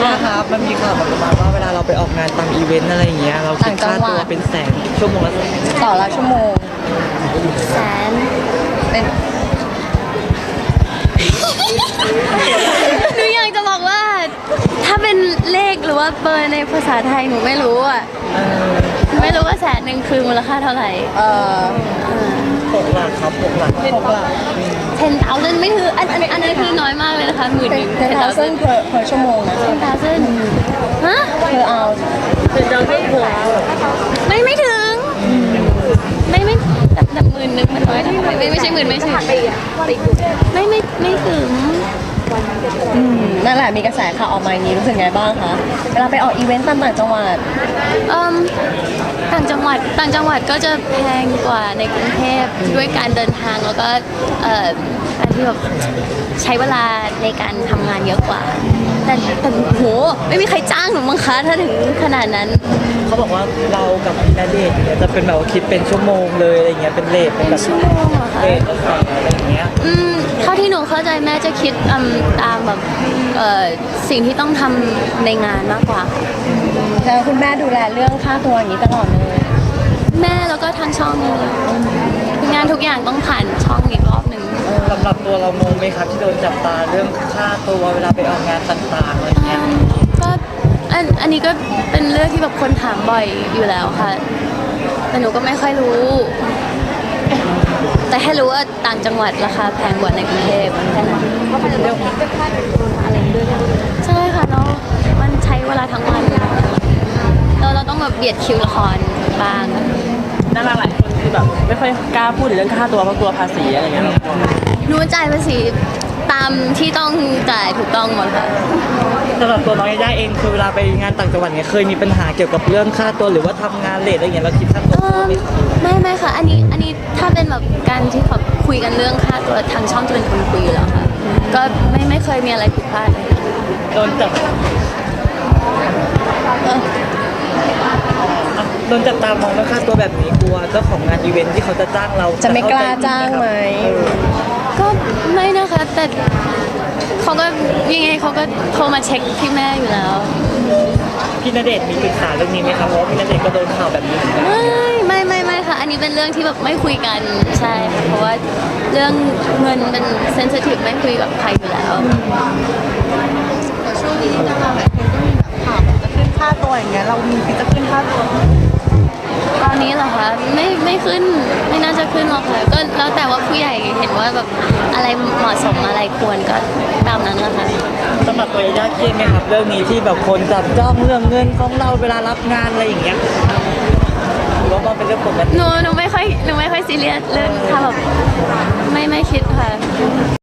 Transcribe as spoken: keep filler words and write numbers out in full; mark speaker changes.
Speaker 1: นะครับมันมีข่าวประมาณว่าเวลาเราไปออกงานตามอีเวนต์อะไรอย่างเงี้ยเราคิดค่าตัวเป็นแสนชั่วโมงละแสน
Speaker 2: ต่อละชั่วโมง
Speaker 3: แสน
Speaker 2: เป็น
Speaker 3: หนูอยากจะบอกว่า ถ้าเป็นเลขหรือว่าเบอร์ในภาษาไทยหนูไม่รู้อ่ะไม่รู้ว่าแสนหนึ่งคือมูลค่าเท่าไหร่
Speaker 2: เอ่อ
Speaker 1: หกหลักครับหกหลัก
Speaker 2: หกหลัก
Speaker 3: ten thousand ไม่ถืออันอันอันนั้นคือน้อยมากเลยนะคะหมื่น
Speaker 2: เป็
Speaker 3: ห
Speaker 2: น
Speaker 3: นึ่ง
Speaker 2: ten thousand per per ชั่วโมงนะ
Speaker 3: ten thousand ฮะ
Speaker 2: per hour
Speaker 1: เป็นเจ้าไม่หัว
Speaker 3: ไม่ไม่ถึงไม่ไม่แต่แต่หมื่นหนึ่งมันน้อยนะไม่ไม่ไม่ใช่หมื่นไม่ใช่ไม่ไม่ไม่ถึง
Speaker 2: อืมนั่นแหละมีกระแสข่าวออกมาอย่างนี้รู้สึกไงบ้างคะเวลาไปออกอีเวนต์ตามต่างจังหวัด
Speaker 3: เอิ่มต่างจังหวัดต่างจังหวัดก็จะแพงกว่าในกรุงเทพด้วยการเดินทางแล้วก็เอ่อการที่แบบใช้เวลาในการทำงานเยอะกว่า แต่แต่โหไม่มีใครจ้างหนูมั้งคะถ้าถึงขนาดนั้น
Speaker 1: เขาบอกว่าเรากับพี่ณเดชน์เนี่ยจะเป็นแบบว่าคิดเป็นชั่วโมงเลยอะไรเงี้ยเป็นเลทเป็น
Speaker 3: เป็
Speaker 1: แบ
Speaker 3: น
Speaker 1: บ
Speaker 3: ชั่วโมงเหรอคะ
Speaker 1: เลทอะไรอย่างเงี้ย
Speaker 3: อืมเท่าที่หนูเข้าใจแม่จะคิดอืมตามแบบเอ่อสิ่งที่ต้องทำในงานมากกว่าค่ะ
Speaker 2: แล้วคุณแม่ดูแลเรื่องค่าตัวอย่างนี้ตลอดเลย
Speaker 3: แม่แล้วก็ทางช่องเลยงานทุกอย่างต้องผ่านช่องอีกรอบหนึ่ง
Speaker 1: สำหรับตัวเรางงไหมครับที่โดนจับตาเรื่องค่าตัวเวลาไปออกงานต่างๆอะไรเงี้ย
Speaker 3: ก็อันอันนี้ก็เป็นเรื่องที่แบบคนถามบ่อยอยู่แล้วค่ะ แต่หนูก็ไม่ค่อยรู้ แต่แค่รู้ว่าต่างจังหวัดราคาแพงกว่าในกรุงเทพแค่นั้นใช่ค่ะเนาะมันใช้เวลาทั้งวันเราเราต้องแบบเบียดคิวละครบ้าง
Speaker 4: ดาราหลายคนคือแบบไม่ค่อยกล้าพูดถึงเรื่องค่าตัวเพราะกลัวภาษีอะไรเงี้ย
Speaker 3: หนูจ่ายภาษีตามที่ต้องจ่ายถูกต้องหมดค่ะ
Speaker 1: สำหรับตัวน้องยาย่าเองคือเวลาไปงานต่างจังหวัดเนี่ยเคยมีปัญหาเกี่ยวกับเรื่องค่าตัวหรือว่าทำงานเลทอะไรเงี้ยเราคิดค่าตัว
Speaker 3: เอิ่มไม่ไม่ค่ะ อันนี้อันนี้ถ้าเป็นแบบการที่แบบคุยกันเรื่องค่าตัวทางช่องจะเป็นคนคุยอยู่แล้วค่ะ ก็ไม่ไม่เคยมีอะไรผิดพลาดเลย
Speaker 1: โดนจับโดนจับตามองเรื่องค่าตัวแบบนี้กลัวเจ้าของงานอีเวนท์ที่เขาจะจ้างเรา
Speaker 2: จะไม่กล้าจ้างไหม
Speaker 3: ก็ไม่นะคะ แต่เขาก็ยังไงเขาก็โทรมาเช็คที่แม่อยู่แล้ว
Speaker 1: พี่ณเดชน์มีปรึกษาเรื่องนี้ไหมครับเพราะว่าพี่ณเดชน์ก็โดนข่าวแบบนี้เหมือนกัน
Speaker 3: ไม่ไม่ไม่ไม่ค่ะ อันนี้เป็นเรื่องที่แบบไม่คุยกันใช่ค่ะเพราะว่าเรื่องเงินเป็นเซนซิทีฟไม่คุยกับใครอยู่แล้ว
Speaker 5: ช่วงนี้ดาราหลายคนก็มีแบบข่าวจะขึ้นค่าตัวอย่างเงี้ยเรามีคิดจะขึ้นค่าตัว
Speaker 3: ตอนนี้เหรอคะไม่ไม่ขึ้นไม่น่าจะขึ้นหรอกค่ะก็แล้วแต่ว่าผู้ใหญ่เห็นว่าแบบอะไรเหมาะสมอะไรควรก็ตามนั้นแหละค่ะ
Speaker 1: สำหรับตัวยาย่าเครียดไหมครับเรื่องนี้ที่แบบคนจับจ้องเรื่องเงินของเราเวลารับงานอะไรอย่างเงี้ยหรือว่ามันเป็นเรื่องปกติ
Speaker 3: หนูหนูไม่ค่อยหนูไม่ค่อยซีเรียสเรื่องถ้าแบบไม่ไม่คิดค่ะ